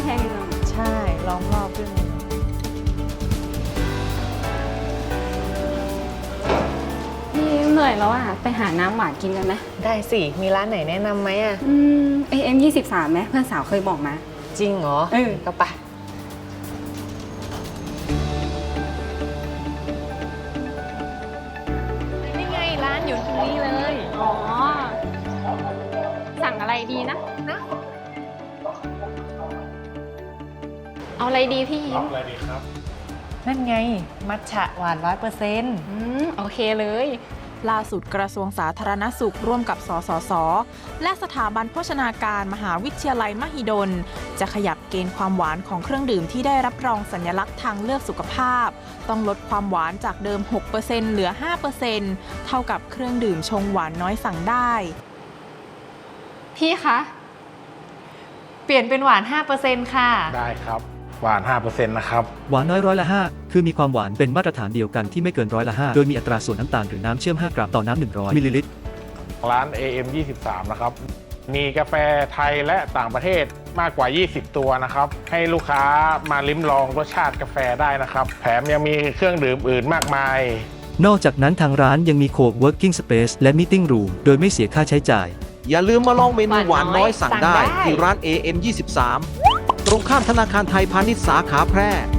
แพงจังใช่ล้อมรอบด้วยพี่เหนื่อยแล้วอ่ะไปหาน้ำหวานกินกันไหมได้สิ มีร้านไหนแนะนำไหมอ่ะ AM 23ไหมเพื่อนสาวเคยบอกมาจริงเหรอเออก็ไปนี่ไงร้านอยู่ตรงนี้เลยอ๋อ สั่งอะไรดีนะ เอาอะไรดีพี่ยิ้มอะไรดีครับนั่นไง มัทฉะหวาน100% โอเคเลยล่าสุดกระทรวงสาธารณสุขร่วมกับสสส และสถาบันโภชนาการมหาวิทยาลัยมหิดล จะขยับเกณฑ์ความหวานของเครื่องดื่มที่ได้รับรองสัญลักษณ์ทางเลือกสุขภาพ ต้องลดความหวานจากเดิม 6% เหลือ 5% เท่ากับเครื่องดื่มชงหวานน้อยสั่งได้พี่คะเปลี่ยนเป็นหวาน 5%ค่ะได้ครับ หวาน 5% นะครับหวานน้อย5%คือมีความหวานเป็นมาตรฐานเดียวกันที่ไม่เกิน5%โดยมีอัตราส่วนน้ำตาลหรือน้ำเชื่อม 5 กรัมต่อน้ำ 100 มิลลิลิตรร้าน AM 23 นะครับ มีกาแฟไทยและต่างประเทศมากกว่า 20 ตัวนะครับ ให้ลูกค้ามาลิ้มลองรสชาติกาแฟได้นะครับ แถมยังมีเครื่องดื่มอื่นมากมายนอกจากนั้นทางร้านยังมี Co-working Space และ Meeting Room โดยไม่เสียค่าใช้จ่ายอย่าลืมมาลองเมนูหวานน้อยสั่งได้สั่งได้ที่ร้าน AM 23 ตรงข้ามธนาคารไทยพาณิชย์สาขาแพร่